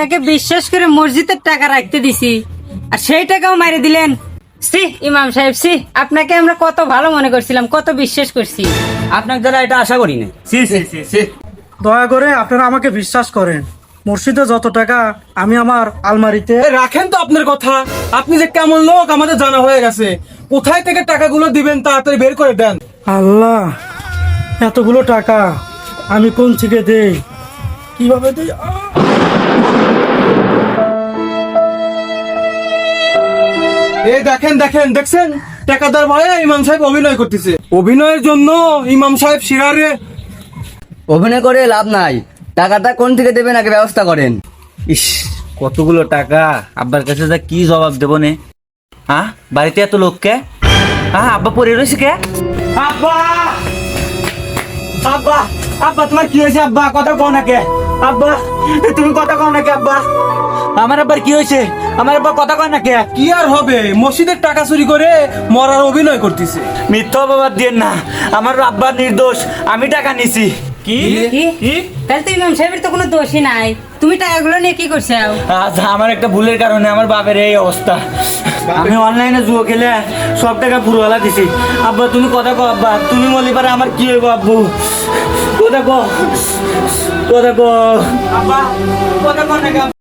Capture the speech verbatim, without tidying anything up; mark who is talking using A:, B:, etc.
A: আপনাকে বিশ্বাস করে মসজিদের টাকা রাখতে দিছি আর সেই টাকাও মারি দিলেন। সি ইমাম সাহেব, সি আপনাকে আমরা কত ভালো মনে করছিলাম, কত বিশ্বাস করছি,
B: আপনার দ্বারা এটা আশা করি না।
C: সি সি সি সি
D: দয়া করে আপনারা আমাকে বিশ্বাস করেন। মসজিদে যত টাকা আমি আমার আলমারিতে
C: এ, রাখেন তো আপনার কথা। আপনি যে কেমন লোক আমাদের জানা হয়ে গেছে। কোথায় থেকে টাকাগুলো দিবেন তাড়াতাড়ি বের করে দেন।
D: আল্লাহ, এতগুলো টাকা আমি কোন থেকে দেই, কিভাবে দেই? আহ!
C: এই দেখেন দেখেন দেখছেন, টাকাদার ভয়ে ইমাম সাহেব অভিনয় করতেছে। অভিনয়ের জন্য ইমাম সাহেব শিরারে
B: অভিনয় করে লাভ নাই, টাকাটা কোন থেকে দেবেন আগে ব্যবস্থা করেন। ইস, কতগুলো টাকা, আব্বার কাছে যা কি জবাব দেবো নে। হ্যাঁ, বাড়িতে এত লোককে, হ্যাঁ আব্বা পড়ে রয়েছে কে? আব্বা আব্বা আব্বা তোমার কি হয়েছে? আব্বা কথা কও না কে? আব্বা তুমি কথা কও না কে? আব্বা আমার আব্বার কি হয়েছে? আমার আব্বা কথা কয় না কে?
C: কি আর হবে, মসজিদের টাকা চুরি করে মরার অভিনয় করতেছে।
B: মিথ্যা অপবাদ দিয়েন না, আমার আব্বা নির্দোষ, আমি টাকা নিছি।
C: কি
A: কি? তাহলে তো ইমাম সাহেবের তো কোনো দোষই নাই, তুমি টাকাগুলো নিয়ে কি করছো?
B: আজ আমার একটা ভুলের কারণে আমার বাপের এই অবস্থা। আমি অনলাইনে জুয়ো খেলে সব টাকা পুরোওয়ালা দিছি। আব্বা তুমি কথা কও, আব্বা তুমি বলি পারে আমার কি হইব? আব্বু কথা কও, কথা কও আব্বা, কথা কও না।